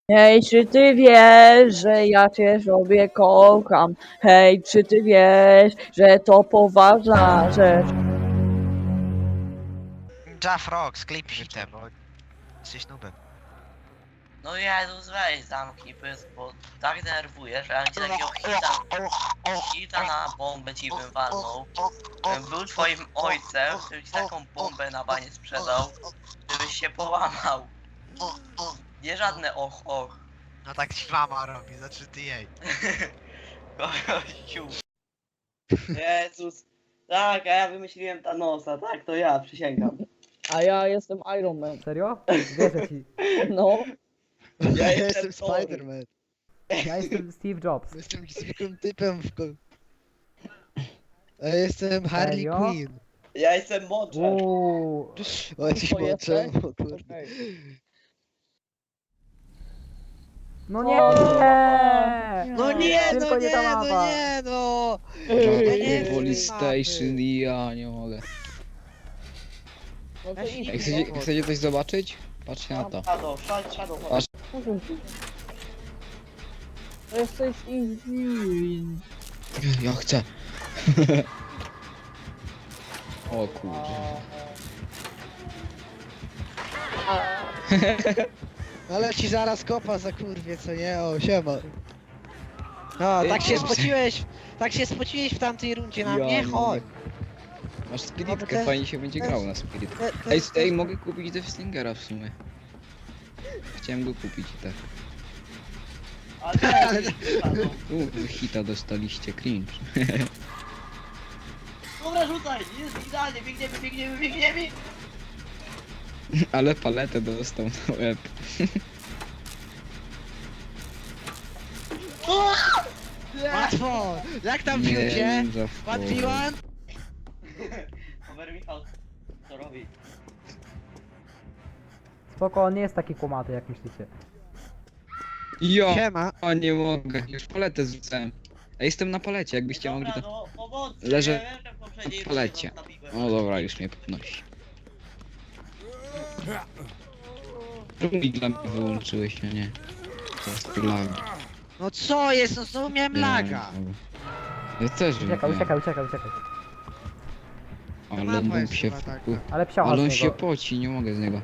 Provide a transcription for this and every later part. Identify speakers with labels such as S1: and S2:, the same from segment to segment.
S1: Hej, czy ty wiesz, że ja cię sobie kocham? Hej, czy ty wiesz, że to poważna rzecz?
S2: Jafrog, sklep hitę, bo jesteś nubem.
S3: No Jezus, weź zamknij pysk, bo tak denerwuje, że ja ci takiego hita na bombę ci bym walnął. Był twoim ojcem, który ci taką bombę na banie sprzedał, żebyś się połamał. Nie żadne och och.
S2: No tak ci mama robi, znaczy ty jej.
S3: Gościu. Jezus. Tak, a ja wymyśliłem Thanosa, tak, to ja, przysięgam.
S1: A ja jestem Iron Man.
S4: Serio? Wierzę ci.
S1: No,
S5: Ja
S3: jestem
S5: jestem
S3: Thor.
S5: Spider-Man.
S4: Ja jestem Steve Jobs.
S5: Jestem zwykłym typem A ja jestem Harley
S4: Serio?
S5: Quinn.
S3: Ja jestem Mądrzec.
S5: O, jesteś
S1: To jesteś?
S5: mądrzem, o kurde.
S1: okej.
S4: No nie!
S5: No nie,
S4: Tylko
S5: no
S4: nie ta
S5: nie, no
S4: mapa.
S5: nie, no!
S1: Ej,
S6: Police
S5: mapy.
S6: Station i ja nie mogę.
S1: No to
S5: Weź
S1: idź,
S6: Ej,
S1: no.
S6: chcecie coś zobaczyć? Patrzcie na to.
S3: Shadow,
S6: Patrz.
S1: To jesteś easy.
S6: Ja chcę. O kurde.
S5: Ale ci zaraz kopa za kurwie, co nie? O, siema. No, tak się spociłeś, w tamtej rundzie na mnie? Chodź.
S6: Masz
S5: No,
S6: spiritkę,
S5: to jest-
S6: fajnie się będzie
S5: to
S6: grał
S5: jest-
S6: na spirit.
S5: To
S6: Ej,
S5: jest-
S6: ej, mogę kupić Death Slingera w sumie. Chciałem go kupić i tak.
S3: ale
S6: Wy hita dostaliście, cringe.
S3: Dobra, rzucaj, jest idealnie, biegniemy.
S6: Ale paletę dostał na łeb.
S5: Łatwo! Jak tam
S6: Nie,
S5: piłcie?
S6: za
S5: 1v1?
S3: Over Michał, co robi?
S4: Spoko, on nie jest taki kumaty jak myślicie.
S6: Ja
S5: Siema.
S6: nie mogę, już paletę zrzucałem. A jestem na palecie, jakbyście mogli to...
S3: no pomocy,
S6: Leżę
S3: ja wiem, że w poprzedniej
S6: na palecie.
S3: rundzie was nabiłem.
S6: O dobra, już mnie podnosi. Czemu dla mnie wyłączyłeś, a nie? To jest lag.
S5: No co jest? No znowu miałem laga.
S6: Ja też
S4: Uciekaj,
S6: wiem.
S4: uciekaj.
S6: Ale
S5: Mapa
S6: on
S5: jest
S6: się
S5: chyba taka.
S4: Ale psiocha
S6: Ale on
S4: z
S6: się
S4: niego.
S6: poci, nie mogę z niego.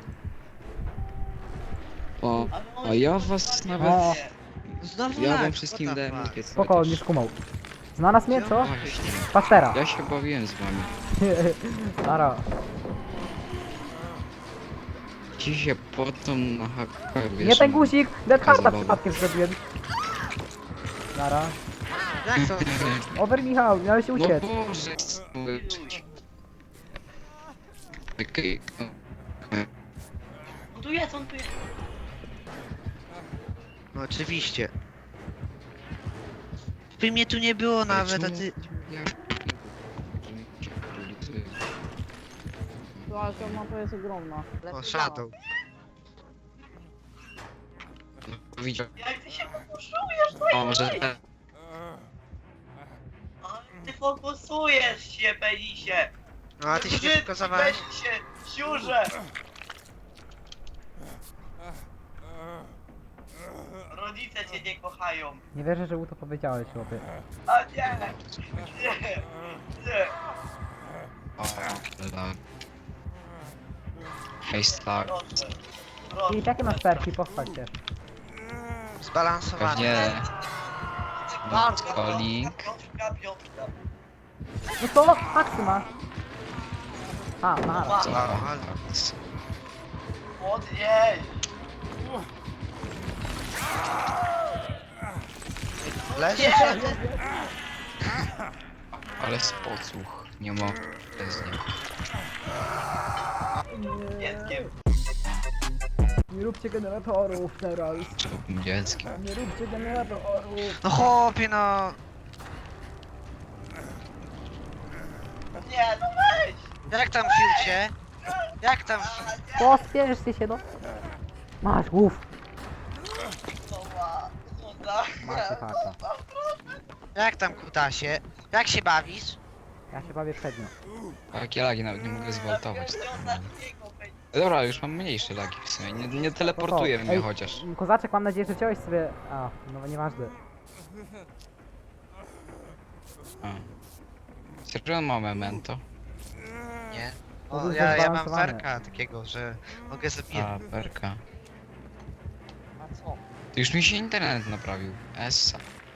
S6: O,
S3: Ale on
S6: a
S3: się
S6: ja
S3: podnosi,
S6: was
S3: nie
S6: nawet...
S4: O.
S5: Znowu
S6: Ja
S5: lag.
S6: wam wszystkim
S5: what the
S6: dałem
S5: fuck?
S6: lukiet.
S4: Spoko, on nie skumał. Znalazł mnie, co?
S6: Właśnie.
S4: Pastera.
S6: Ja się bawiłem z wami.
S4: Nara.
S6: Ci się potą na hakach, wiesz.
S4: Nie ten guzik! Dead Harda
S6: zabawa.
S4: przypadkiem zrobiłem. Nara.
S5: Jak to?
S4: Over Michał, miałeś
S6: No
S4: uciec.
S6: Boże, mogę czuć. Okej, no.
S3: On tu jest.
S5: No oczywiście. By mnie tu nie było nawet, a ty...
S1: Słuchaj, ta mapa jest ogromna.
S5: O, Shadow.
S6: Widział.
S3: Jak ty się fokusujesz, to
S6: O, może...
S3: ty fokusujesz się, penisie.
S5: No a ty się nie pokazałeś?
S3: Penisie, siurze. Rodzice cię nie kochają.
S4: Nie wierzę, że mu to powiedziałeś, chłopie.
S3: A nie. Nie.
S6: O, lag. Hej, tak.
S3: Proszę.
S4: I jakie masz perki? Pochwal się.
S5: Zbalansowany.
S6: Pewnie... Calling.
S3: Piotrka.
S4: No to, haksy masz. A, nara.
S6: Co?
S3: Podnieś.
S5: Leży?
S3: Nie.
S6: Ale spocuch. Nie ma bez niego.
S3: Dzieckiem.
S4: Nie róbcie generatorów teraz.
S6: Człowiekiem dzieckiem.
S4: Nie róbcie generatorów.
S5: No chłopie, no.
S3: Nie, no weź.
S5: Jak tam piłcie? Jak tam...
S4: Pospieszcie się, no. Masz, głów. Macie haka.
S5: Jak tam kutasie? Jak się bawisz?
S4: Ja się bawię przednio.
S6: Takie lagi nawet nie mogę zwaltować.
S3: Ostatniego,
S6: Dobra, już mam mniejsze lagi w sumie. Nie teleportuje mnie
S4: Ej,
S6: chociaż.
S4: Kozaczek, mam nadzieję, że wziąłeś sobie... A, no nieważne.
S6: A. Serio on ma memento?
S5: Nie.
S4: To
S5: O,
S4: był
S5: ja mam
S4: zbalansowany.
S5: werka takiego, że mogę zabijać.
S6: A, perka.
S1: A co?
S6: To już mi się internet naprawił. Essa.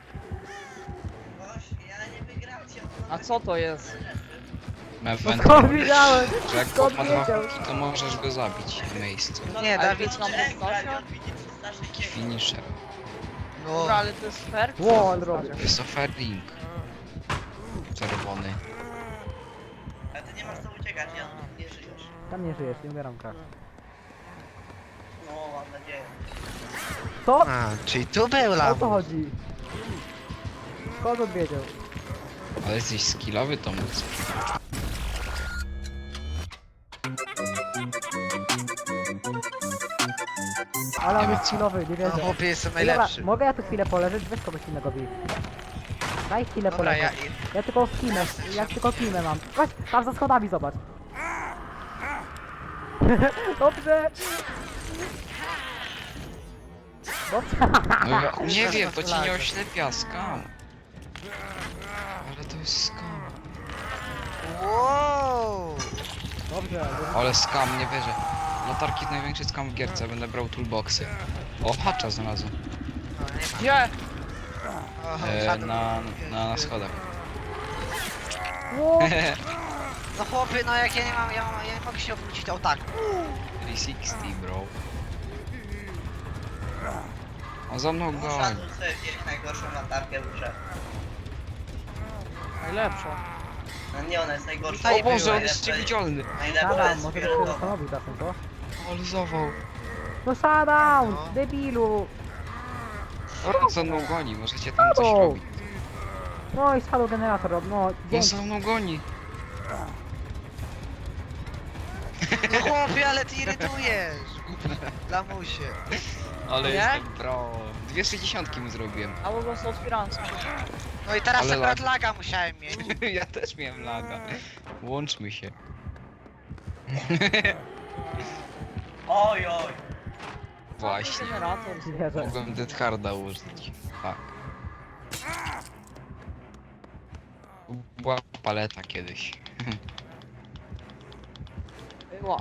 S3: Ja nie wygracie.
S1: A co to jest?
S6: Memento.
S4: Skąd wiedziałem?
S6: Że jak
S4: Skąd
S6: chłop ma dwa
S4: wiedział?
S6: puki, to możesz go zabić w miejscu.
S5: Nie,
S1: Ale
S5: Dawid,
S1: to jest na postaciach?
S6: Finisher.
S5: no,
S1: Dobra, ale to jest fair?
S4: Ło, ale robię.
S6: Wysoferring. Czerwony.
S3: Ale ty nie masz co uciekać, ja nie żyjesz.
S4: Tam nie żyjesz, nie umieram krak.
S3: No, mam nadzieję.
S4: Co?
S5: a, czyli tu był
S4: O co
S5: lamus.
S4: chodzi? Skąd on wiedział?
S6: Ale jesteś skillowy, to móc.
S4: Ale on
S6: Nie ma
S4: jest
S6: co.
S4: chwilowy, nie
S5: No
S4: wierzę.
S5: chłopie, jestem
S4: Ej, dobra,
S5: najlepszy.
S4: mogę ja tu chwilę poleżeć? Weź kogoś innego bij. Daj chwilę
S5: Dobra,
S4: poleżeć. Ja tylko kimę, jak tylko kimę mam. Chodź, tam za schodami zobacz. Dobrze. Dobrze.
S6: No ja nie wiem, to ci nie oślepia, skam. Ale to jest skam.
S5: Wow!
S4: Dobrze.
S6: Ale skam, nie wierzę. Latarki jest największy skam w gierce, będę brał toolboxy. O, hacza znalazłem.
S5: No, nie ma.
S1: Gdzie?
S5: O,
S6: E, na schodach.
S4: Ło,
S5: No chłopie, no jak ja nie mogę się obrócić, to o tak.
S6: 360, bro. On za mną goni.
S3: Muszę sobie wziąć najgorszą latarkę w grze.
S1: Najlepszą.
S3: No nie, ona jest najgorsza.
S5: Tutaj
S6: O Boże, on jest
S3: Najlepsza-
S6: niewidzialny.
S3: Najlepsza
S4: Shutdown,
S3: jest
S4: może byś się
S3: fioletowa.
S4: zastanowił czasem, co?
S6: Ale zawał.
S4: No shutdown,
S5: No.
S4: debilu.
S6: On za mną goni, możecie tam coś
S4: Shadow.
S6: robić.
S4: No i shadow generator, no
S6: On
S4: dzięki.
S6: za mną goni.
S5: No chłopie, ale ty irytujesz. Lamusie.
S6: Ale
S1: Nie?
S6: jestem pro. 260 mu zrobiłem.
S1: A po prostu otwieram
S5: No i teraz
S6: Ale
S5: akurat
S6: lag.
S5: laga musiałem mieć.
S6: Ja też miałem laga. Łączmy się.
S3: Oj, oj.
S6: Właśnie.
S1: generator.
S4: Wierzę.
S6: Mogłem Dead Harda użyć. Tak. Była paleta kiedyś.
S1: Była.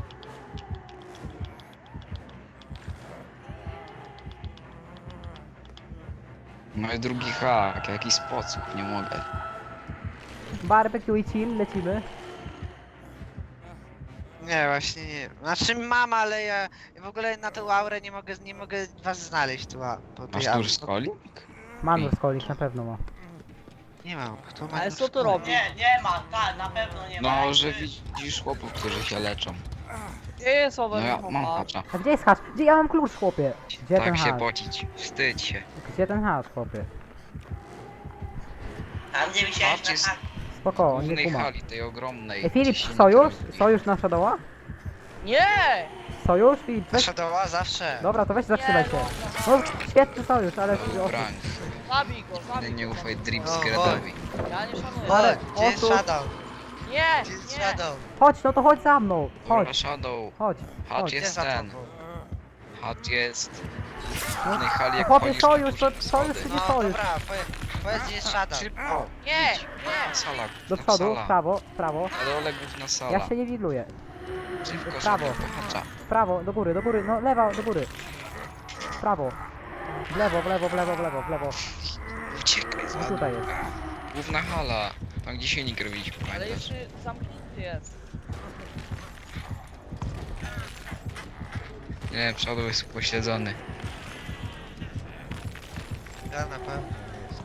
S6: No i drugi hak, jaki sposób, nie mogę.
S4: Barbecue i chill, lecimy.
S5: Nie, właśnie nie. Znaczy mam, ale ja w ogóle na tą aurę nie mogę was znaleźć tu. Po tej
S6: Masz
S5: aurze.
S6: duży skolik?
S4: Manur skolik na pewno ma.
S5: Nie mam. Kto ma
S1: Ale
S5: nóż
S1: co to
S5: skolik?
S1: robi?
S3: Nie ma, tak, na pewno nie ma.
S6: No, że widzisz chłopów, którzy się leczą.
S1: Gdzie jest
S6: No
S1: owe
S6: ja mam
S1: chowa?
S6: hacza.
S4: A gdzie jest hacz? Gdzie ja mam klucz, chłopie? Gdzie ten
S6: Tak się
S4: hacz?
S6: pocić. Wstydź się.
S4: Gdzie ten hacz, chłopie?
S3: Tam gdzie wisiałeś
S6: Hacz jest
S3: na
S4: Spoko,
S6: w
S4: nie
S6: głównej
S4: kuma.
S6: hali, tej ogromnej.
S4: Ej, Filip,
S6: gdzie się
S4: sojusz?
S6: nie traktuje.
S4: Sojusz na Shadowa?
S1: Nie!
S4: Sojusz? Filip, weź...
S5: Shadowa zawsze.
S4: Dobra, to weź zatrzymaj się. No, świetny sojusz, ale...
S6: Broń.
S1: Zabij go,
S6: Nigdy
S1: zabij
S6: nie
S1: go.
S6: ufaj Dream
S5: O,
S6: Skradowi.
S1: Ja nie szanuję.
S4: Ale-
S5: Gdzie jest
S4: osu-
S5: Shadow?
S1: Nie!
S5: Gdzie jest
S1: Nie!
S5: Shadow?
S4: Chodź, no to chodź za mną.
S6: Dobra,
S4: Chodź,
S6: Shadow.
S4: chodź.
S6: Hacz
S4: chodź.
S5: Gdzie
S6: jest
S5: za
S6: ten.
S5: tobą?
S6: Hacz jest. W
S4: No,
S6: głównej hali
S4: no
S6: jak
S4: chłopie,
S6: wchodzisz
S4: sojusz,
S6: na
S4: to
S6: duże
S4: sojusz
S6: schody.
S4: czy
S5: No
S4: nie sojusz?
S5: dobra, powiedz gdzie jest Shadow.
S6: Szybko.
S1: Nie!
S6: Idź.
S1: Nie!
S6: Sala.
S4: Do
S6: na
S4: przodu, w
S6: sala.
S4: prawo, w prawo.
S6: Na dole główna sala.
S4: Ja się nie widluję.
S6: Szybko,
S4: w prawo.
S6: szybko, hacza.
S4: W prawo, do góry, no lewa, do góry. W prawo. W lewo, w lewo, w lewo, w lewo, w lewo.
S6: Uciekaj z
S4: No
S6: wady.
S4: tutaj jest.
S6: Główna hala. Tam gdzie silnik robiliśmy,
S1: Ale
S6: pamiętasz?
S1: jeszcze zamknięty jest.
S6: Nie, przodu jest pośledzony.
S5: Ja na pewno jest.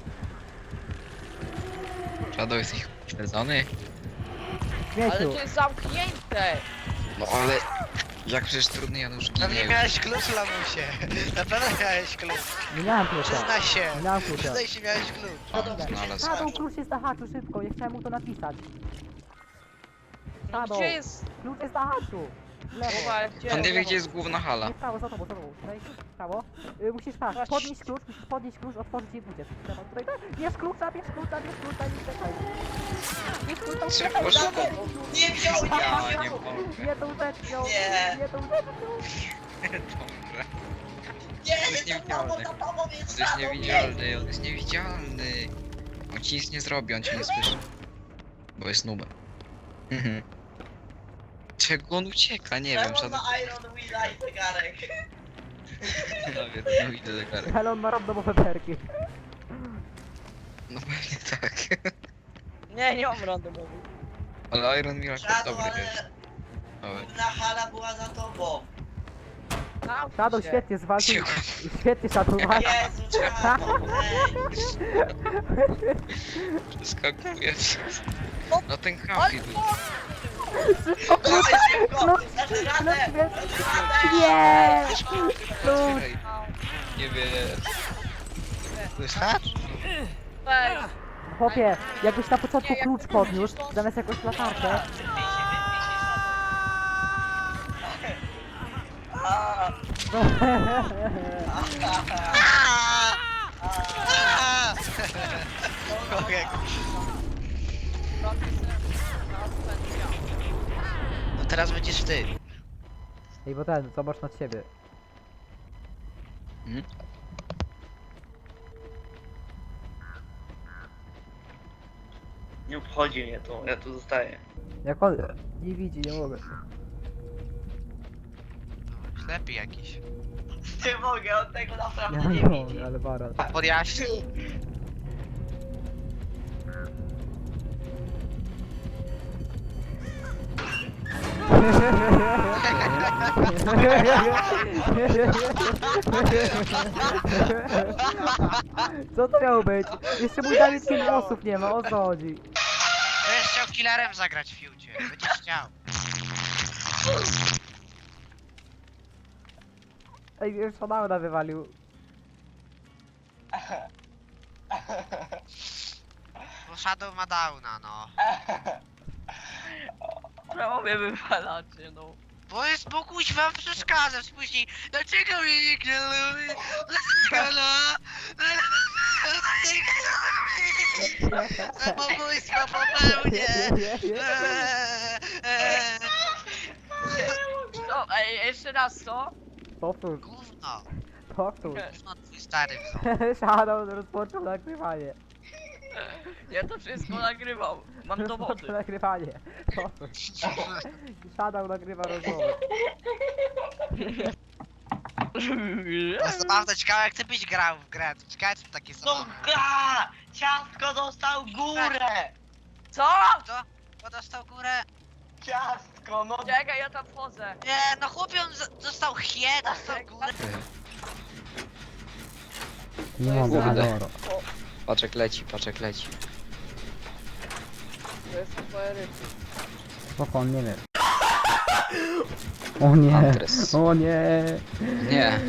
S6: Przodu jesteś pośledzony?
S1: Ale
S4: Śmieciu.
S1: to jest zamknięte!
S6: No ale... Jak przecież trudny Janusz ginie
S5: Pewnie
S6: już.
S5: miałeś klucz, lamusie. Na pewno miałeś klucz.
S4: Nie miałem klucza.
S5: Przyznaj się.
S4: Nie miałem klucza.
S5: Przyznaj się, miałeś klucz.
S6: Znalazł.
S4: Shadow, klucz jest na haczu, szybko, ja chciałem mu to napisać.
S1: No
S4: Shadow,
S1: gdzie jest?
S4: klucz jest na haczu. W lewo.
S1: Chowajcie.
S6: On nie wie, gdzie jest główna hala.
S4: Nie, w prawo, za tobą, za tobą. Tutaj, w prawo. Musisz tak, podnieść klucz, otworzyć i uciec. Trzeba tutaj, tak. Bierz klucza, bierz klucza, bierz klucza i czekaj. Bierz klucza,
S6: Szybko,
S4: uciekaj.
S6: szybko.
S3: Nie wziął, nie
S6: Ja
S3: wziął!
S6: nie mogę.
S4: Nie tą rzeczą,
S3: Nie.
S4: nie tą rzeczą.
S6: Dobra.
S3: Nie,
S6: jest
S3: nie, za tobą,
S6: niewidzialny.
S3: za tobą
S6: On
S3: jest
S6: jest
S3: za tobą,
S6: niewidzialny, on jest niewidzialny. On ci nic nie zrobi, on cię nie słyszy. Bo jest nubem. Mhm. Czego on ucieka? Nie wiem,
S3: Czemu
S6: żaden...
S3: na Iron Willa i zegarek?
S6: No wiem, no idę zegarek.
S4: Ale on ma randomowe perki.
S6: No pewnie tak.
S1: Nie, nie mam randomowy.
S6: Ale Iron Miracle
S3: Shadow,
S6: dobry jest.
S3: ale
S6: Dobry.
S3: główna hala była za tobą.
S1: Zamknij
S4: Shadow
S1: się.
S4: świetnie zwalczył.
S6: Cicho.
S4: Świetnie Shadow walczył.
S3: Jezu, Shadow, ej.
S6: Przeskakuje. No ten kafi był.
S3: Dawaj szybko, dasz radę,
S4: Klucz,
S3: dasz radę.
S4: Nie!
S6: Otwieraj. Nie wiem.
S1: Weź.
S4: Chłopie, jakbyś na początku
S1: Nie, jak
S4: klucz
S1: ty
S4: podniósł,
S1: myślisz, to-
S4: zamiast jakąś latarkę.
S3: A,
S5: No teraz będziesz ty.
S4: Ej, bo ten, zobacz nad siebie.
S3: nie obchodzi mnie to, ja tu zostaję.
S4: Jak on nie widzi, nie mogę.
S2: Ślepy jakiś.
S3: Nie mogę, on tego naprawdę
S4: Ja
S3: nie
S4: nie
S3: widzi.
S4: mogę, ale baran.
S2: Podjaśnij.
S4: Co to miało być? Jeszcze mój Dawid 5 osób nie ma, o co chodzi?
S2: Będziesz chciał killerem zagrać w fiucie. Będziesz chciał.
S4: Ej, już Shadowna wywalił.
S2: Bo Shadow ma downa, no.
S1: Czemu mnie wywalacie, no?
S2: Bo kuźwa przeszkadza, później. Dlaczego mnie nie lubi? Dlaczego no? Zabobójstwo popełnię!
S1: No, ej, jeszcze raz, co?
S4: Powtórz,
S2: Gówno.
S4: powtórz.
S2: Gówno twój stary.
S4: Shadow rozpoczął nagrywanie.
S1: Ja to wszystko nagrywam. Mam dowody.
S4: Rozpoczął nagrywanie. Powtórz. Shadow nagrywa rozmowę.
S2: To zabawne, ciekawe jak ty byś grał w grę. To ciekawe czy takie są.
S3: No ga! Ciastko dostał górę!
S1: Co?
S2: Kto dostał górę?
S3: Ciastko, no
S1: Czekaj, ja tam wchodzę.
S2: Nie, no chłopie on dostał dostał górę.
S4: Nie
S1: mogę,
S4: Adoro.
S6: Paczek leci, paczek leci.
S1: To jest twoje ryby.
S4: Spoko, on nie wie. O nie,
S6: Andres.
S4: o nie.
S6: Nie.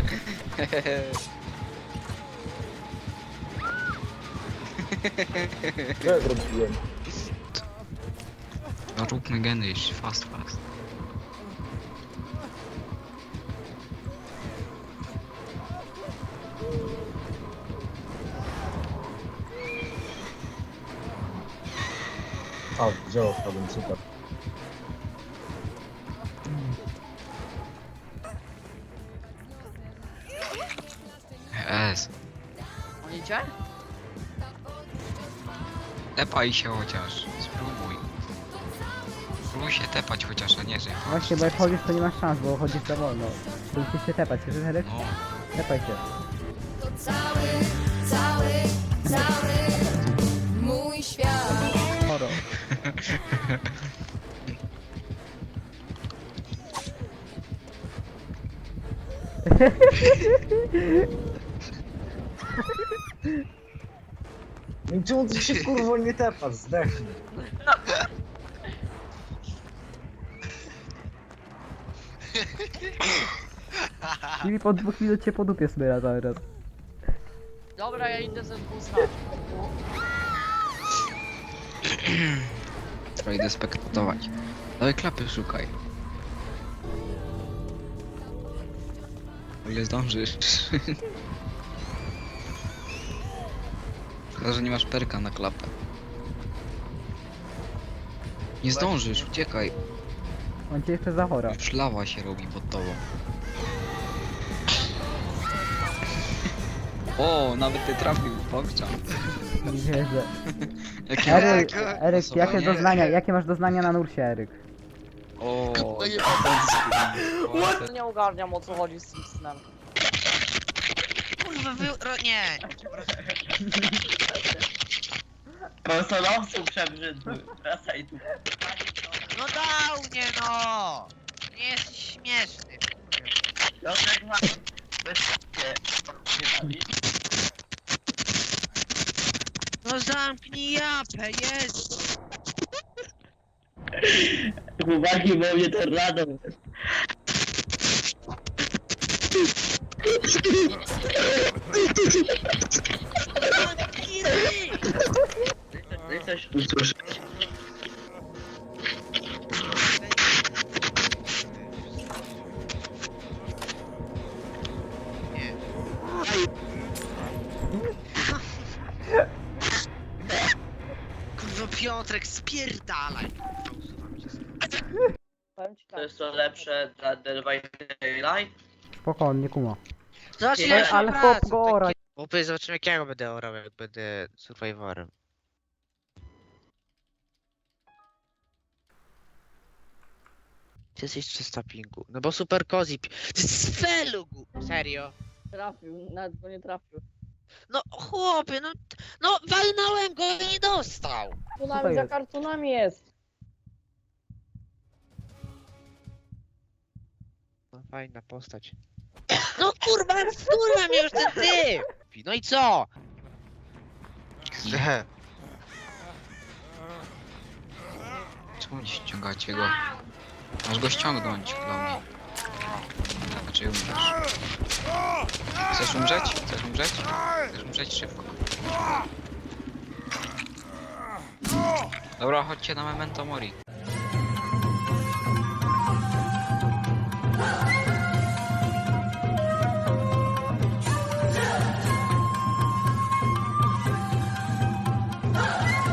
S7: Co ja zrobiłem?
S6: No róbmy geny jeszcze, fast.
S7: A, wziął wpadłem, super.
S6: Jest.
S1: Idzie?
S6: Tepaj się chociaż. Spróbuj. Spróbuj się tepać chociaż, a nie że.
S4: Właśnie, bo jak chodzisz, to nie masz szans, bo chodzisz za wolno. To musisz się tepać, słyszysz, Henryk?
S6: No.
S4: Tepaj się.
S8: To cały mój świat.
S4: Choro.
S7: No i czemu ty się kurwo nie tepasz? Zdechnij.
S4: I po 2 minut cię po dupie smyra cały raz.
S1: Dobra, ja idę ze dwóch
S6: To idę spektować. Dawaj klapy szukaj. O ile zdążysz. Chyba, że nie masz perka na klapę. Nie zdążysz, uciekaj.
S4: On cię jeszcze zachora.
S6: Już lawa się robi pod tobą. O, nawet ty trafił, pokczam.
S4: Nie wierzę.
S6: Jakie
S4: Eryk,
S6: jakie
S4: Eryk,
S6: głosowanie?
S4: jakie doznania, jakie masz doznania na nursie, Eryk?
S6: O,
S1: Nie ogarniam, o co chodzi z tym snem.
S2: Kurwa, nie.
S3: Konsolowców przebrzydły. Wracaj tu.
S2: No dał mnie, no. Nie jest śmieszny.
S3: Piotrek ma... Bezpiecznie.
S2: No zamknij japę, jest.
S3: Chłopaki, bo mnie tornado.
S2: Zamknij ryj.
S3: Ty coś usłyszeć.
S2: Kurwa, Piotrek, spierdalaj.
S1: Powiem ci
S3: To
S1: tak.
S3: jest to lepsze dla Dead by Daylight?
S4: Spokojnie, nie kuma.
S2: Zobacz,
S3: Nie,
S2: ile masz
S4: ale
S2: pracy,
S4: chłop go ora.
S2: Chłopie, zobaczymy jak ja go będę orał, jak będę survivorem. Ty jesteś 300 pingu. No bo super cozy. Ty z felugu! Serio?
S1: Trafił, nawet go nie trafił.
S2: No chłopie, no walnąłem go i nie dostał.
S1: Tu
S4: to
S1: nawet za
S4: jest?
S1: kartonami jest.
S2: No fajna postać. No kurwa, mnie już ten typ! No i co?
S6: czemu nie ściągacie go? Masz go ściągnąć dla mnie. Znaczy umrzesz. Chcesz umrzeć? Chcesz umrzeć? Chcesz umrzeć szybko. Dobra, chodźcie na Memento Mori.